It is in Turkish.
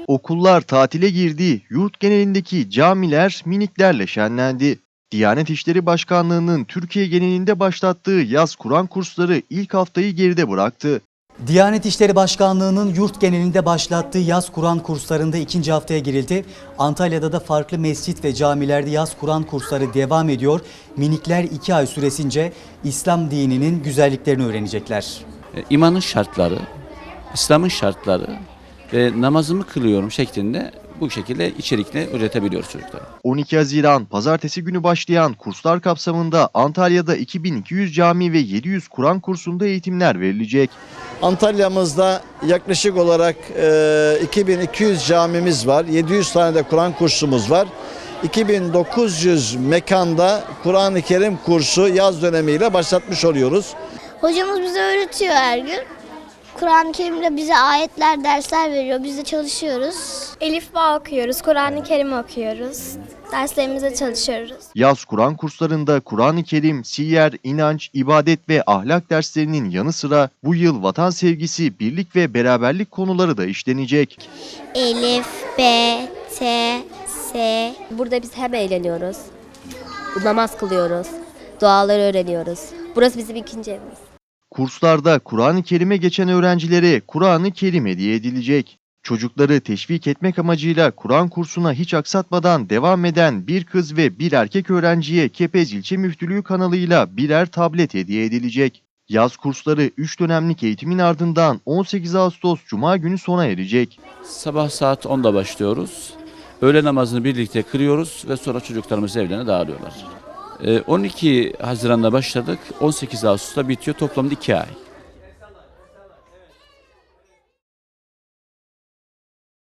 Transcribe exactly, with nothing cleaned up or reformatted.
Okullar tatile girdi, yurt genelindeki camiler miniklerle şenlendi. Diyanet İşleri Başkanlığı'nın Türkiye genelinde başlattığı yaz Kur'an kursları ilk haftayı geride bıraktı. Diyanet İşleri Başkanlığı'nın yurt genelinde başlattığı yaz Kur'an kurslarında ikinci haftaya girildi. Antalya'da da farklı mescit ve camilerde yaz Kur'an kursları devam ediyor. Minikler iki ay süresince İslam dininin güzelliklerini öğrenecekler. İmanın şartları, İslam'ın şartları ve namazımı kılıyorum şeklinde bu şekilde içerikle üretebiliyoruz çocuklara. on iki Haziran Pazartesi günü başlayan kurslar kapsamında Antalya'da iki bin iki yüz cami ve yedi yüz Kur'an kursunda eğitimler verilecek. Antalya'mızda yaklaşık olarak e, iki bin iki yüz camimiz var, yedi yüz tane de Kur'an kursumuz var. iki bin dokuz yüz mekanda Kur'an-ı Kerim kursu yaz dönemiyle başlatmış oluyoruz. Hocamız bize öğretiyor her gün. Kur'an-ı Kerim'de bize ayetler, dersler veriyor. Biz de çalışıyoruz. Elif Bağ okuyoruz, Kur'an-ı Kerim okuyoruz. Derslerimize çalışıyoruz. Yaz Kur'an kurslarında Kur'an-ı Kerim, siyer, inanç, ibadet ve ahlak derslerinin yanı sıra bu yıl vatan sevgisi, birlik ve beraberlik konuları da işlenecek. Elif, B, T, S. Burada biz hem eğleniyoruz, namaz kılıyoruz, duaları öğreniyoruz. Burası bizim ikinci evimiz. Kurslarda Kur'an-ı Kerim'e geçen öğrencilere Kur'an-ı Kerim hediye edilecek. Çocukları teşvik etmek amacıyla Kur'an kursuna hiç aksatmadan devam eden bir kız ve bir erkek öğrenciye Kepez İlçe Müftülüğü kanalıyla birer tablet hediye edilecek. Yaz kursları üç dönemlik eğitimin ardından on sekiz Ağustos Cuma günü sona erecek. Sabah saat onda başlıyoruz. Öğle namazını birlikte kılıyoruz ve sonra çocuklarımız evlerine dağılıyorlar. on iki Haziran'da başladık, on sekiz Ağustos'ta bitiyor, toplamda iki ay.